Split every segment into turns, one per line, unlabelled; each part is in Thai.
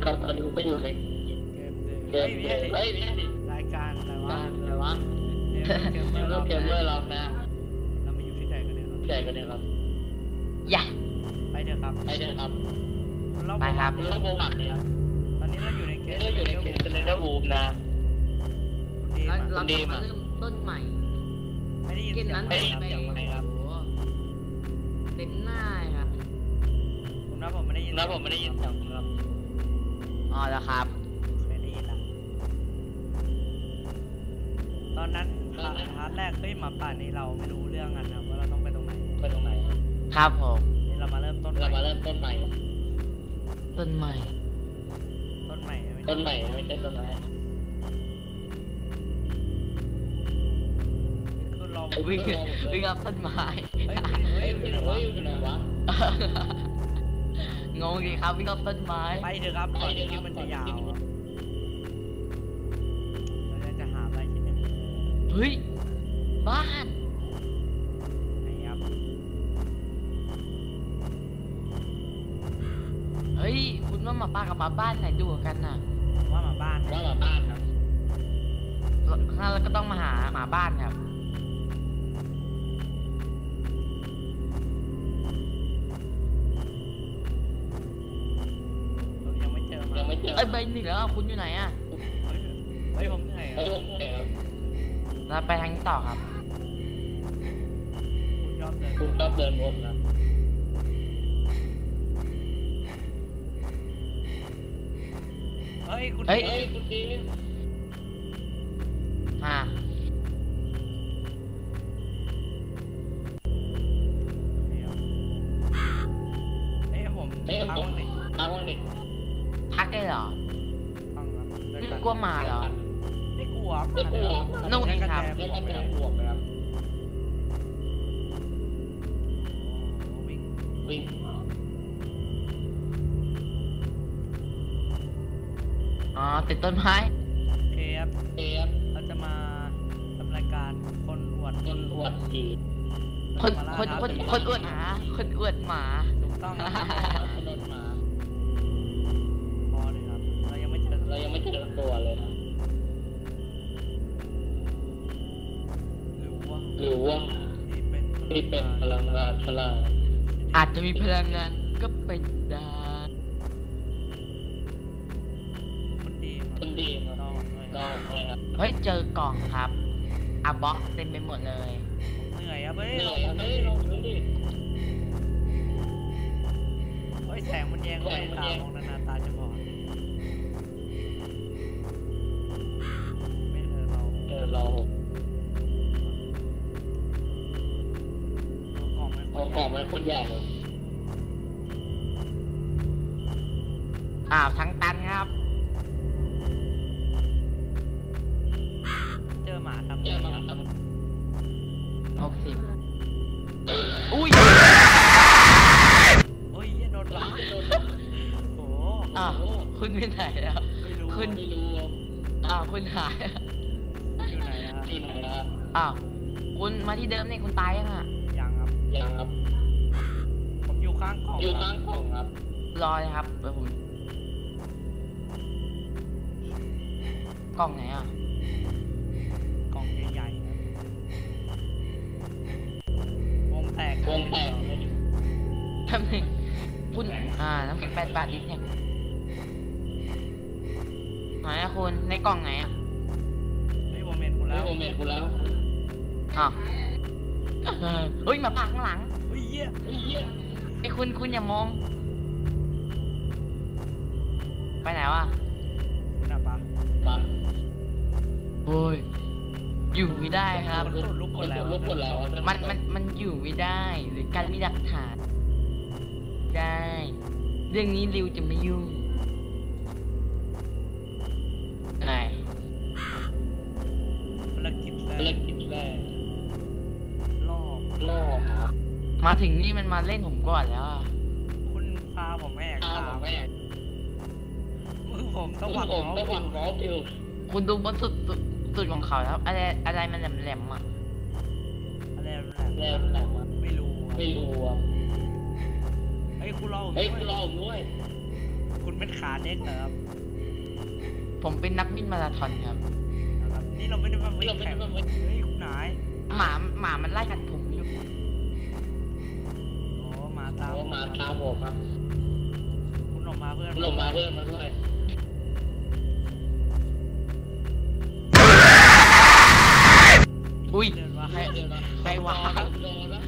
ก็ตอนนี้กูก็อยู่ใน
เกม
เกมเฮ้ย
รายการอะไรวะ
เกมเมอร์เรานะ
เรามาอยู่ที่ไหนกันเนี่ย
ที่ไหนกันเนี่ยครับ
อย่า
ไปเถอะครับ
ไปครับ
ไปครับ
เราโบมักเนี่ย
ตอนนี้เราอยู่ในเกม
เนเธอร์วูฟนะ
เราจะมาเริ่มต้นใหม่
ไม่ได้ยิน
เกม
เสีย
นั้น
ง
ไปเต็มหน้าครับ
ผมไม่ได้ยิน
เสียงครับ
อ๋อแล้วครับ
ไม่ได้ยินละตอนนั้นพาร์ทแรกหมาป่านี้เราไม่รู้เรื่องกันนะว่าเราต้องไปตรงไหน
ครับผม
เรามาเริ่มต้นใหม่
ต้นใหม่
ต้นใหม่
ไม่ใช่ต้นไม้
คือเรา
วิ่งกับต้นไม้
อยู่ไหนวะ
งงดีครับวิ่งกับต้นไม้
ไปเถอะครับก่อนที่มันจะยาวเราจะหาอะไรที่หนึ่ง
เฮ้ยบ้าน
ไหนครับ
เฮ้ยคุณว่าหมาป่ากับหมาบ้านไหนดูกันน่ะ
ว่าหมาบ้าน
ครับ
งั้นเราก็ต้องมาหาหมาบ้านครับ
ยังไม่เจอ
ใบหนึ่งแล้วคุณอยู่ไหนอ่ะ
ผมเหนื่อย
เราไปทางนี้ต่อครับ
คุณชอบเดินวนนะ
คุณดี
ทักได้เหรอไม่กลัวมาเหรอ
ไม่กลัว
นู่นครับ
ไม่ต้องบวกนะครับวิ่ง
อ๋อติดต้นไม้
เคฟเราจะมาทำรายการคนอวด
ผี
คนอวดหมา
ถูกต้อง
โดนหมา
พอเลยครับเรายังไม่เจอ
ตัวเลยนะหรือว่าที่เป็นพลังงานพลัง
อาจจะมีพลังงานก็เป็นได้
คนดีมาต้อง
เฮ้ยเจอกล่องครับบล็อกเต็มไปหมดเลย
เหนื่อยครับแสงมันแยงเข้าไปตามองนานๆตาจะบอดไม่
เรากล่องมันคนใหญ่เลย
ทั้งตันครับ
เจอหมาทำ60
อุ้ย
โดนหลังโอ้
คุณไปไหนแล้วคุณ
ไม่รู้
คุณหาย
อยู่ไหน
คุณมาที่เดิมเนี่ยคุณตายยัง
ยังครับ
ผมอยู่ข้างกล่อง
ครับ
รอเลยครับเดี๋ยวผมกล่องไหน
กล่องใหญ่ๆครับวงแตก
ทำไมคุณน้ำแข็ง8 บาทนิดเนี่ยไหนคุณในกล่องไหน
ผมเมนคุณแล้ว
เฮ้ยมาปากข้างหลังไอ้คุณอย่ามองไปไหนวะ
คุณอะปะ
โอ้ยอยู่ไม่ได้ครับ
ลุกคนแล้ว
มันอยู่ไม่ได้หรือการมีหลักฐานได้เรื่องนี้ริวจะไม่ยุ่งไหน
ภารกิจแรก
ล่อ
มาถึงนี่มันมาเล่นผมก่อนแล้ว
คุณพาผมแม่มือผมต้องหวัง
อยู่
คุณดูบนสุดของเขาแล้วอะไรมันแหลม
อะไรแหลมไม่รู้คุณรอผมด้วยคุณเป็นขาเด็กเหรอครับ
ผมเป็นนักวิ่งมาราธอนครับ
นะครับนี่เราไม่ได้มาวิ่งแข่งเฮ้ยคุณนาย
หมามันไล่กัดผมอยู่
โอ้มาตาม
มาตามผมครับ
คุณออกมาเพื่อน
ลงมาเพื่อนมาด้วย
อุ้ย
เดินมา
ใคร
เดี๋ยวนะ
ใครวะ
โดนแล้ว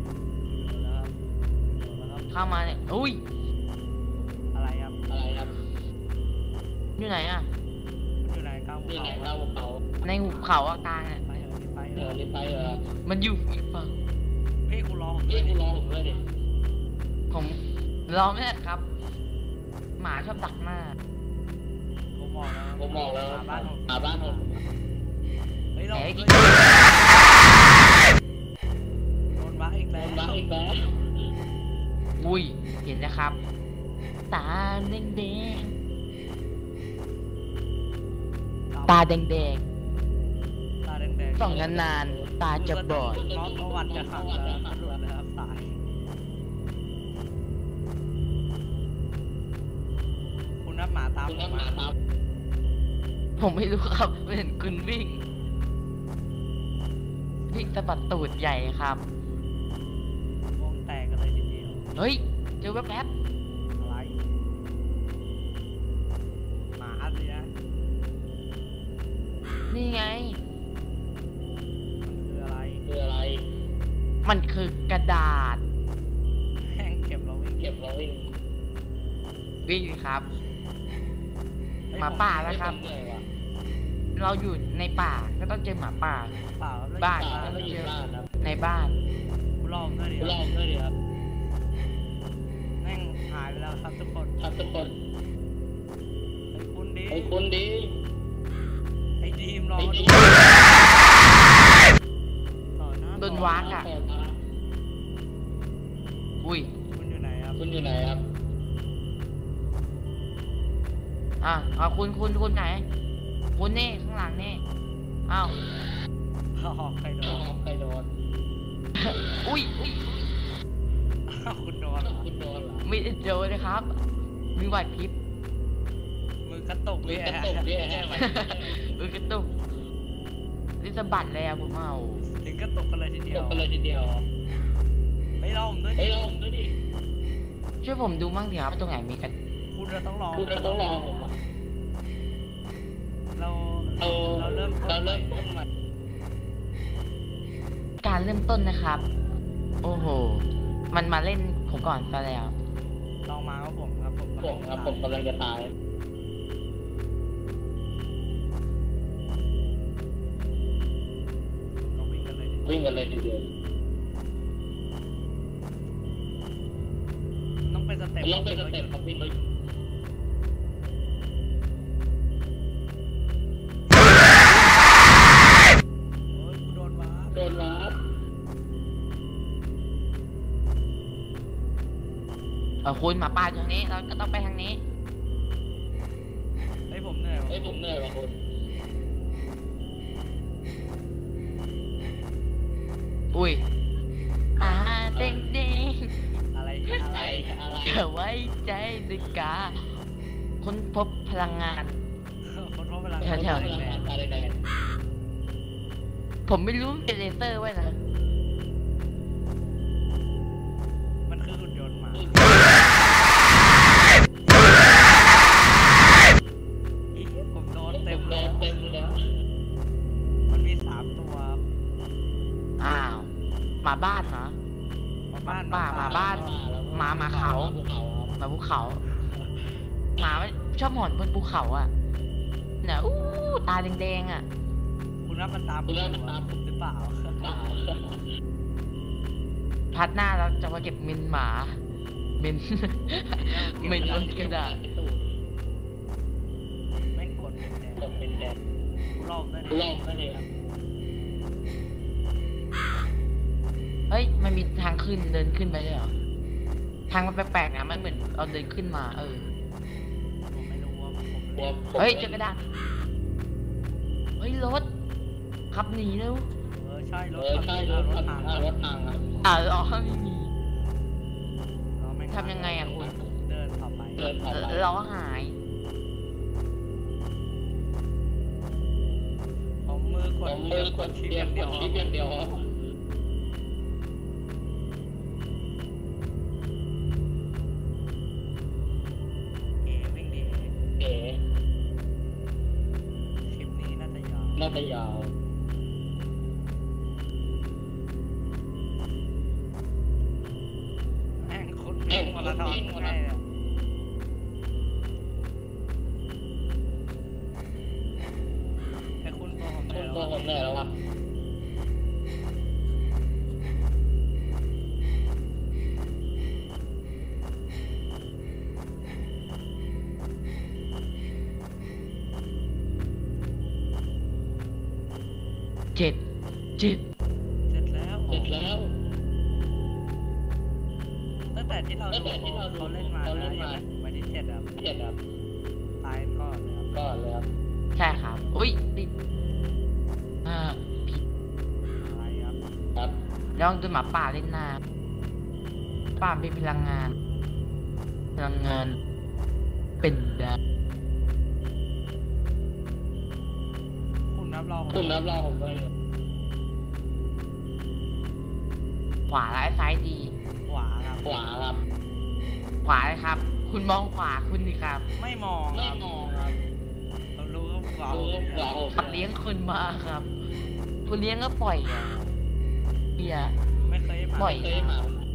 เข้ามาเนี่ยอุ้ย
อะไรครับ
อะไรครับ
อยู่ไหนอ่ะ
คุณอยู่ไหนก้าว
นี่
เขา
ไหนเล่าเขา
ในหุบเขาอะกลางอ่ะ
ไปเถอะไปเถ
เดี๋ยว
อะ
รีบไปเหรอ
มันอยู่อีกฝั่ง
เฮ้ยคุณรอผม
พี่
ด้วย
กู
ดิ
รอผมด้วยดิ
ผมรอไม่ได้ครับ หมาชอบดักหน้า
ผมบอกแล้ว
ผมบอกแล้ว
หาบ้านผม
หาบ้านผม
เฮ้ยเรา
แหม
ด้วยโดนบักอีก
โด
แล้ว
นบ้าอีกแล้ว
อุ้ย เห็นนะครับ ตาแดงแดงๆตาแดงแดง
ตาแดง
ๆส่องนานๆตาจะบอด
น้องประวัติจะขังแล้วตำรวจนะครับตายคุณนับหมาตาม
คุณ
ผ
ก็
ม
หา
มา
ตาม
ผมไม่รู้ครับเห็นคุณวิ่ง วิ่งสะบัดตูดใหญ่ครับ
วงแตกกันเลยทีเดียว
เฮ้ย เจอแป๊บ
อะไรหมาสินะ
ๆนี่ไง
มันคืออะไร
คืออะไร
มันคือกระดาษ
แห้งเก็บเราวิ่ง
เก็บเราวิ่ง
วิ่งครับ
เฮ้ย
หมาป่าแล้วครับ
เหนื่อยว่ะ
เราอยู่ในป่าก็ต้องเจอหมาป่า
เปล่าแล้ว
บ้าน
ป่าแล้วอยู่บ้านครับ
ในบ้าน
คุณรอผมด้วยดิ
คุณรอผมด้วยดิครับ
แม่งหายไปแล้วครับทุกคน
ครับทุกคน
ไอ้คุณดี
ไอ้คุณดี
ไอ้ดีมรอ
ไอ้
มา
ดี
ดูต่อหน้า
โดนวากอะ อุ้ย
คุณอยู่ไหนครับ
คุณอยู่ไหนครับ
คุณไหน คุณนี่ข้างหลังนี่ อ้าว
อ๋อใครโดน
ใครโดน
อุ้ย
อ้าวคุณโดนเหรอ
คุณโดนเหรอ
ไม่ได้เจอเลยครับ มีไหวพริบ
มือกระตุก
มื
เนี่
อย กระตุกเนี่ย
กระตุกนี่สะบัดเลยอะผมเอา
ถึงกระตุกกันเลยทีเดี
ต
ยว
กกันเลยทีเดียว
ไม่รอผมด้วย
เฮ้
ดิ
ยรอผมด้วยดิ
ช่วยผมดูมั่งสิครับตรงไหนมีกัน
คุณเราต้องรอ
คุณต้องรอผมอะ
เรา
เรา
เราเริ่มต้นใหม่
ต้นใหม่
การเริ่มต้นนะครับ โอ้โห มันมาเล่นผมก่อนซะแล้ว
ลองมาครับผมครับผม
ผมครับผมกำลังจะตาย
ก็วิ่งกันเลยดิ
วิ่งกันเลยทีเดียว
ต้องเป็นสเต็ป
ลงไปสเต็ปครับวิ่งไป
โอ้ยกูโดนวาร์ป
โดนวาร์ป
คุณหมาป่าอยู่ทางนี้เราก็ต้องไปทางนี้
เฮ้ยผมเหนื่อยว่ะ
เฮ้ยผมเหนื่อยว่ะคุณ
อุ้ยเด้ง
อะไร
อะไร อะไร
ๆจะไว้ใจดึกกาค้นพบพลังงาน
คนพบเวลา
แถวๆ
แดง
อะไรแดง
ผมไม่รู้เป็นเลเซอร์ไว้นะ
มันคือหุ่นยนต์หมาอีผมโดนเต็ม
โด
เลย
นเต็มแล้ว
มันมี3 ตัว
อ้าวหมาบ้านเหรอ
หมาบ้าน
หมาบ้าน หมาเขา
ภูเขาครับ
หมาภูเขา หมามันชอบหอนบนภูเขาอ่ะเนี่ยอู้ตาแดงๆอ่ะ
คุณรับมันตามผมอยู่อะหรือเปล่า
เปล่า
พัดหน้าเราจะมาเก็บมินหมามิน มินบนกระดาษ
แม่งกดเป็นแดง
กดเป็นแดง
กูลอกได้
ลองได้เลยครับ
เฮ้ย มันมีทางขึ้นเดินขึ้นไปด้วยเหรอ ทางมันแปลกๆนะมันเหมือนเราเดินขึ้นมา
ผมไม่รู้ว่าผม
กลัวผม
เฮ้ยเจอกระดาษ เฮ้ยรถ ขับหนีเร็ว
ใช่รถ
ใช่รถ
รถ
ทา
ทาง ง
รถทางครับ
อ๋อไม่มี ทำยังไงอะคุณ
เดินต่อไป
เดินผ่าน
ล้อหาย
ผมมือกด
มือกด
ชิป
เดี
อย ย่างเดียว
ชิปอย่างเดียว
วิ่งดี
เอ๋
คลิปนี้น่าจะยาว
น่าจะยาว
แม่งคนวิ่งมาราธอนง่ายเลยไอ้คุณตัวผมเหนื่อย
ตัว
แล้ว
ผมเหนื่อยแล้ววะ
เจ็ด
เสร็จแล้ว
เสร็จแล้ว
ตั้งแต่ที่เราเขาเล่นมานะยังไม่ได้เจ็ดครับ
เจ็ดครับ
ตายก่อนเลยครับ
ก่อนเลยครับ
ใช่ครับ อุ้ยติดผิด
อะไรครับ
ครับ
ลองดูหมาป่าเล่นน้ำป่าเป็นพลังงาน เป็นได้
คุณนับรอง
คุณรับรองผมด้วย
ขวาและซ้ายดี
ขวาครับ
ขวาครับ
ขวาเลยครับ คุณมองขวาคุณดิครับ
ไม่มองค
ไม่
รับ
มองครับ
เรารู้ว่าขวา
ดูขวาผม
สัตว์เลี้ยงคุณมาครับ คุณเลี้ยงก็ปล่อยอ่ะเบียร์
ไม่เคยมา
ปล่อย
เคยมา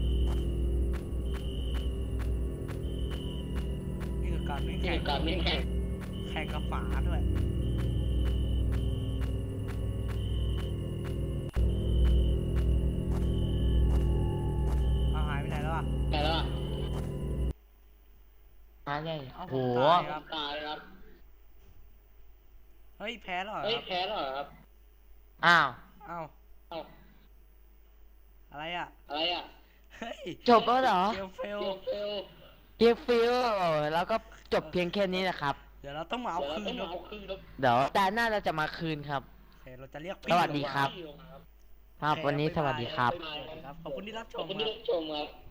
นี่คือการวิ่ง
ที่
แข่ง
การวิ่งแข่ง
แข่งกับฝาด้วยเอาหายไปไหนแล้วอ่ะ
แต่ละ
มาได้
เอา
โห
ผมตายครับ
ตายครับ
เฮ้ยแพ้แล้วเหรอ
เฮ้ย
ครับ
แพ้แล้วเหรอครับ
อ้าว
เอ้า
เอ้า
อะไรอ่ะ
อะไรอ่ะ
เฮ้ย
จบแล้วเหรอ
เกมเฟล
เฟล
เพียงฟิลแล้วก็จบเพียงแค่นี้นะครับ
เดี๋ยวเราต้องมาเอา
เดี๋ยวเรา
คื
ต้อน ง
ครับ
เอาคืนครับ
เดี๋ยวตาหน้าเราจะมาคืนครับ
โอเคเราจะเรียก
สวัสดีครับ
พี่ลงมาครับ
ครับ วันนี้สวัสดีครับ
สวัสดีครับ ขอบคุณที่รับช
ขอบ
ม
คุณ
ค
ที่
รับ
รับชมครับ